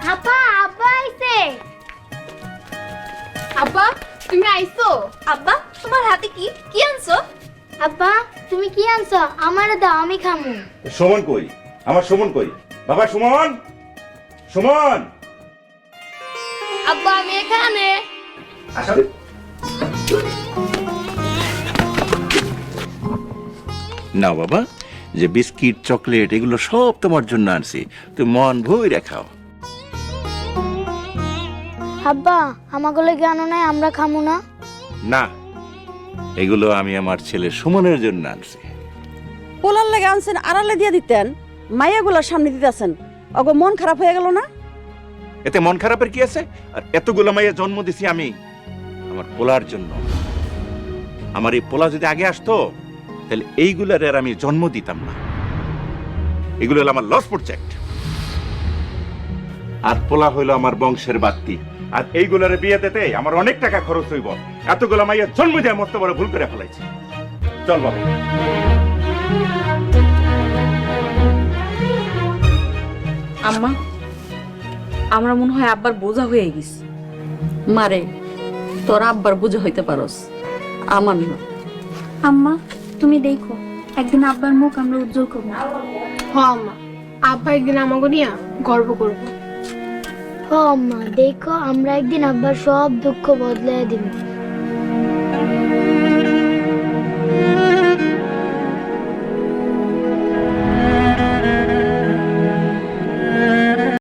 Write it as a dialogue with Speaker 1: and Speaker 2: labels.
Speaker 1: আপা আব্বা আইছে।
Speaker 2: আব্বা তুমি আইছো?
Speaker 3: আব্বা তোমার হাতে কি কি আনছো?
Speaker 1: আব্বা তুমি কি আনছো? আমারে দাও, আমি খামু।
Speaker 4: সুমন কই? আমার সুমন কই? বাবা সুমন, সুমন।
Speaker 2: আব্বা আমি এখানে।
Speaker 4: আসলে না বাবা, যে বিস্কিট চকলেট এগুলো সব তোমার জন্য আনছি, তুমি মন ভরে খাও।
Speaker 1: আব্বা আমাগুলো জ্ঞান নাই, আমরা খামু না?
Speaker 4: না, এগুলো আমি আমার ছেলে সুমনের জন্য আনছি।
Speaker 5: পোলার লেগে আনছেন, আড়ালে দিয়ে দিতেন, মাইয়াগুলার সামনে দিতেছেন, ওগো মন খারাপ হয়ে গেল না?
Speaker 4: এতে মন খারাপের কি আছে? আর এতগুলো মাইয়া জন্ম দিছি আমি আমার পোলার জন্য। আমার এই পোলা যদি আগে আসতো তাহলে এইগুলার আর আমি জন্ম দিতাম না। এগুলো হলো আমার লস প্রজেক্ট। আর পোলা হইলো আমার বংশের বাত্তি। আর এইগুলার বিয়ে দিতে আমার অনেক টাকা খরচ হইব। এতগুলো মাইয়া জন্ম দিয়ে মস্ত বড় ভুল করে ফেলাইছি। চল বাবা।
Speaker 6: আম্মা, আমরা মনে হয় আব্বার বোঝা হয়ে গেছি। মারে তোর আব্বার বোঝা হইতে পারস, আমার না।
Speaker 7: আম্মা তুমি দেখো, একদিন আব্বার মুখ আমরা উজ্জ্বল করবো।
Speaker 2: হ আম্মা, আব্বা একদিন আমাকে নিয়ে গর্ব করবো।
Speaker 1: ও আম্মা দেখো, আমরা একদিন আব্বার সব দুঃখ বদলে দিব।